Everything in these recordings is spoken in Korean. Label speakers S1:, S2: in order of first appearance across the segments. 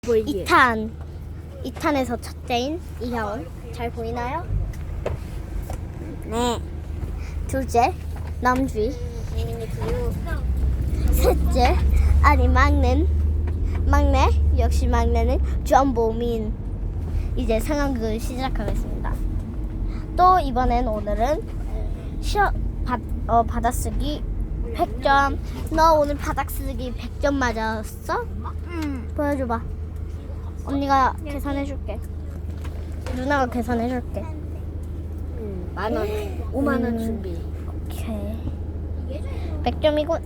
S1: 보이게.
S2: 2탄에서 첫째인 이형 잘 보이나요? 네. 둘째 남주희. 셋째 아니 막내 역시 막내는 전보민. 이제 상황극을 시작하겠습니다. 또 이번엔 오늘은 받아쓰기 100점. 너 오늘 받아쓰기 100점 맞았어? 보여줘봐. 언니가 계산해줄게. 누나가 계산해줄게.
S1: 10,000원, 5만원 준비.
S2: 오케이. 100점이군.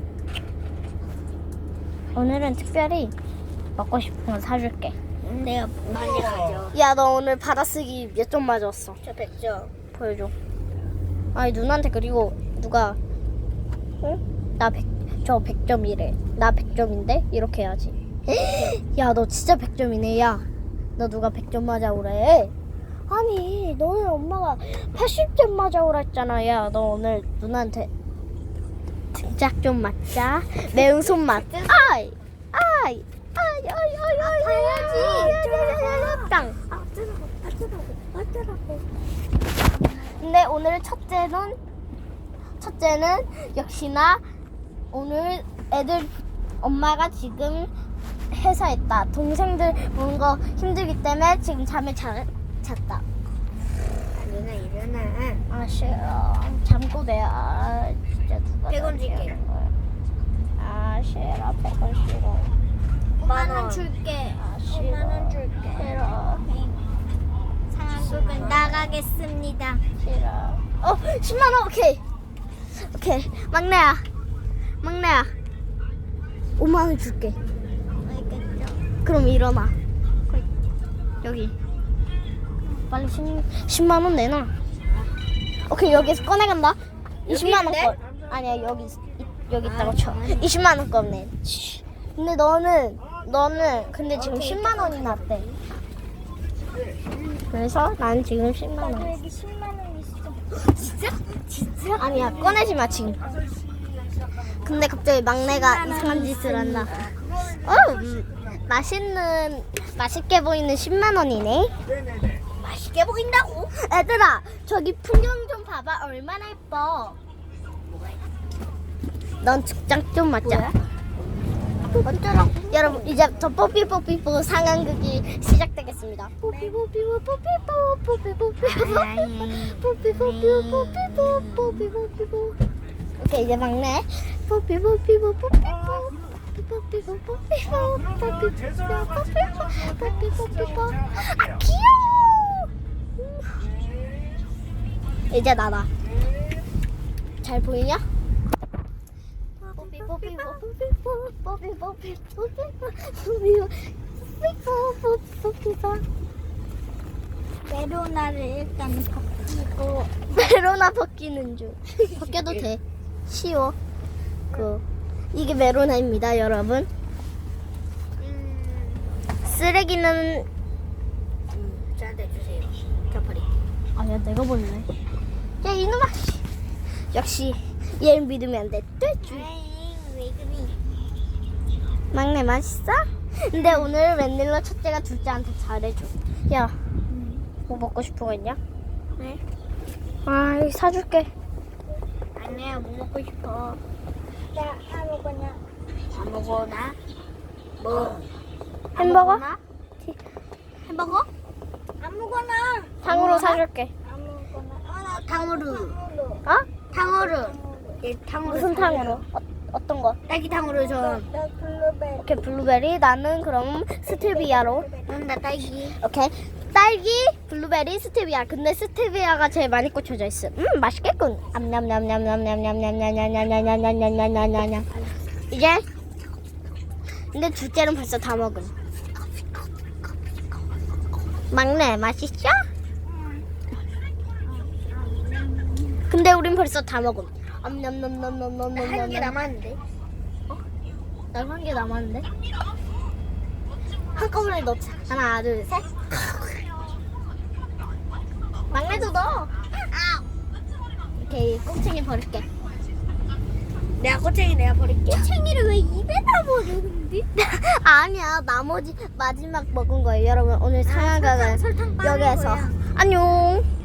S2: 오늘은 특별히 먹고 싶은 거 사줄게.
S1: 내가 많이 가져.
S2: 야, 너 오늘 받아쓰기 몇 점 맞았어?
S1: 저 100점.
S2: 보여줘. 아니, 누나한테 그리고 누가 응? 저 100점이래. 나 100점인데? 이렇게 해야지. 야, 너 진짜 100점이네. 야, 너 누가 100점 맞아오래? 아니, 너는 엄마가 80점 맞아오라 했잖아. 야, 너 오늘 누나한테 등짝 좀 맞자. 매운 손맛. 아이. 아파야지. 땅. 근데 오늘 첫째는 역시나 오늘 애들 엄마가 지금 회사에 있다. 동생들 보는 거 힘들기 때문에 지금 잠을 잤다.
S1: 누나 일어나.
S2: 아, 싫어. 잠꼬 내야. 진짜 누가
S1: 100원 줄게.
S2: 하는 거야. 아, 싫어. 100원 싫어.
S1: 5만원 줄게.
S2: 아, 싫어.
S1: 5만원 줄게.
S2: 싫어.
S1: 상황극은 나가겠습니다.
S2: 싫어. 10만원. 오케이. 막내야. 5만원 줄게.
S1: 알겠죠?
S2: 그럼 일어나. 여기. 빨리 10만원 내놔. 오케이, 여기서 꺼내간다. 20만원 거. 아니야, 여기 있다고 쳐. 20만원 거 내. 근데 너는 근데 지금 10만원이 났대. 그래서 난 지금 10만원.
S1: 여기 10만원 있어. 진짜?
S2: 아니야, 꺼내지 마 지금. 근데 갑자기 막내가 이상한 짓을 한다. 맛있게 보이는 10만 원이네.
S1: 맛있게 보인다고?
S2: 얘들아, 저기 풍경 좀 봐봐. 얼마나 예뻐. 넌 측장 좀 맞자. 어쩌라고? 여러분, 이제부터 뽀삐뽀삐뽀 상황극이 시작되겠습니다. 뽀삐뽀삐뽀삐뽀. 오케이, 이제 막내. 뽀삐뽀삐뽀삐뽀. 아, 귀여워. 이제 나다. 잘 보이냐?
S1: 메로나를 일단 벗기고.
S2: 메로나 벗기는 중. 벗겨도 돼. 쉬워. 이게 메로나입니다, 여러분. 쓰레기는
S1: 저한테 주세요. 저 버릴게.
S2: 아니야, 내가 볼래. 야, 이놈아. 역시 얘를 믿으면 안 돼. 뚜쭈.
S1: 왜 그리?
S2: 막내 맛있어? 근데 오늘 웬일로 첫째가 둘째한테 잘해줘. 야, 뭐 먹고 싶은 거 있냐?
S1: 네?
S2: 아, 이거 사줄게.
S1: 아니야, 뭐 먹고 싶어? 나 아무거나. 뭐?
S2: 햄버거?
S1: 아무거나? 햄버거? 아무거나.
S2: 탕후루 사줄게.
S1: 아무거나. 나 탕후루.
S2: 어?
S1: 탕후루. 예, 탕후루.
S2: 무슨 탕후루? 어떤 거?
S1: 딸기 탕후루 좀. 나 블루베리.
S2: 오케이, 블루베리. 나는 그럼 스테비아로.
S1: 나 딸기.
S2: 오케이. 딸기, 블루베리, 스테비아. 근데 스테비아가 제일 많이 꽂혀져 있어. 맛있겠군. 암냠냠냠냠냠냠냠냠냠냠냠냠냠냠냠냠냠냠. 이제 근데 둘째는 벌써 다 먹음. 막내 맛있어? 근데 우린 벌써 다 먹음.
S1: 한 개
S2: 암냠냠냠냠냠냠냠.
S1: 남았는데.
S2: 난 한 개 남았는데. 한꺼번에 넣자. 하나, 둘, 셋. 막내도 넣어. 오케이, 꽁챙이 버릴게.
S1: 내가 꼬챙이 내가 버릴게.
S2: 꼬챙이를 왜 입에다 버려?
S1: 먹었는데?
S2: 아니야, 나머지 마지막 먹은 거예요. 여러분, 오늘 상한가는
S1: 설탕 빠는
S2: 여기에서
S1: 거야.
S2: 안녕.